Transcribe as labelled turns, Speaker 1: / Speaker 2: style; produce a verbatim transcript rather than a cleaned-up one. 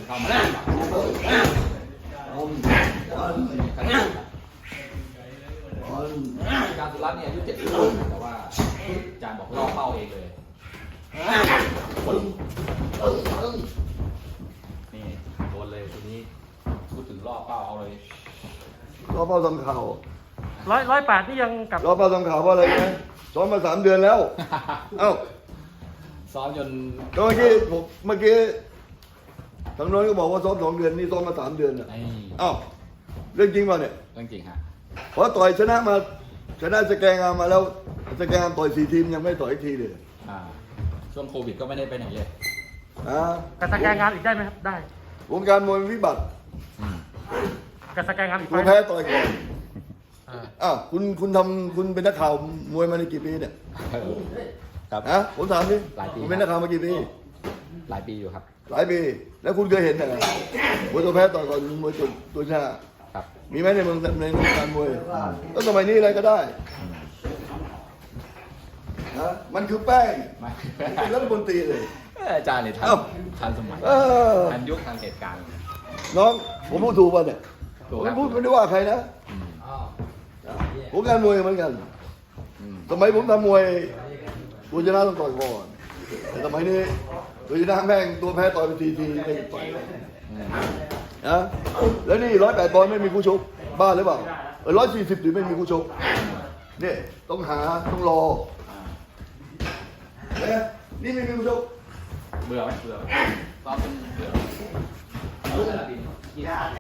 Speaker 1: เข้ามาการสุรัตน์เนี่ยอายุเจ็ดสิบแต่ว่าอาจารย์บอกล่อเป้าเองเลยนี่โดนเลยทีนี้พูดถึงล่อเป้าเอาเลย
Speaker 2: ล้อเป้าทำข่าว
Speaker 3: ร้อยร้อยแปดนี่ยังกับ
Speaker 2: ล้อเป้าทำข่าวเพราะอะไรนะซ้อมมาสามเดือนแล้วเอ้า
Speaker 1: ซ้อมจน
Speaker 2: ก็เมื่อกี้ผมเมื่อกี้ทางโน้นก็บอกว่าซ้อมสองเดือนนี่ซ้อมมาสามเดือนอ่ะ
Speaker 1: ไอ้
Speaker 2: เอ้าเรื่องจริงป่ะเนี่ย
Speaker 1: เรื่องจริงฮะ
Speaker 2: เพราะต่อยชนะมาชนะสแกงามมาแล้วสแกงามต่อยสี่ทีมยังไม่ต่อยอีกทีเลย
Speaker 1: อ่าช่วงโควิดก็ไม่ได้ไปไหนเลย
Speaker 2: อ่าก
Speaker 3: ระสแกนงานอีกได้ไหมครับได้
Speaker 2: วงการมวยวิบัติ
Speaker 1: อืม
Speaker 3: กระสแกนงานอีก
Speaker 2: ตัว
Speaker 3: ไหม
Speaker 2: แพ้ต่อยก่อน
Speaker 3: อ่า
Speaker 2: อ้าวคุณคุณทำคุณเป็นนักข่าวมวยมาในกี่ปีเนี่ย
Speaker 1: ครับ
Speaker 2: ฮะผมถามดิ
Speaker 1: หลายปี
Speaker 2: คุณเป็นนักข่าวมากี่ปี
Speaker 1: หลายปีอยู่ครับ
Speaker 2: หลายปี แล้วคุณเคยเห็นเหรอมวยตัวแพ้ต่อยก่อนมวยตัวตัวชนะครับ มีไหมในเมืองในวงการมวยก็สมัยนี้อะไรก็ได้นะมันคือแป้ง
Speaker 1: ไม่
Speaker 2: เป็นรัฐมนตรีเลย
Speaker 1: อาจารย์เนี่ยทัน
Speaker 2: เอ้า
Speaker 1: ทันสมัย
Speaker 2: เออ
Speaker 1: ทันยุคทันเหตุการณ์
Speaker 2: น้องผมพูดถูกป่ะเนี่ย
Speaker 1: ถูก
Speaker 2: ผ
Speaker 1: ครั
Speaker 2: ม
Speaker 1: บ
Speaker 2: พูดไม่ได้ว่าใครนะ
Speaker 1: อืม
Speaker 2: วงการมวยเหมือนกัน
Speaker 1: อืม
Speaker 2: สมัยผมทำมวยตัวชนะต้องต่อยก่อนแต่สมัยนี้ตัวชนะแม่งตัวแพ้ต่อยไปทีทีไม่ต่อย
Speaker 1: อืม
Speaker 2: นะแล้วนี่ร้อยแปดปอนด์ไม่มีคู่ชกบ้าหรือเปล่าร้อยสี่สิบถึงไม่มีคู่ชกเนี่ยต้องหาต้องรอเนี่ยนี่ไม่มีคู่ชก
Speaker 1: เบื่อไหมเบื่อไหมซ้อมจนเบื่อเบื่อแล้วดิ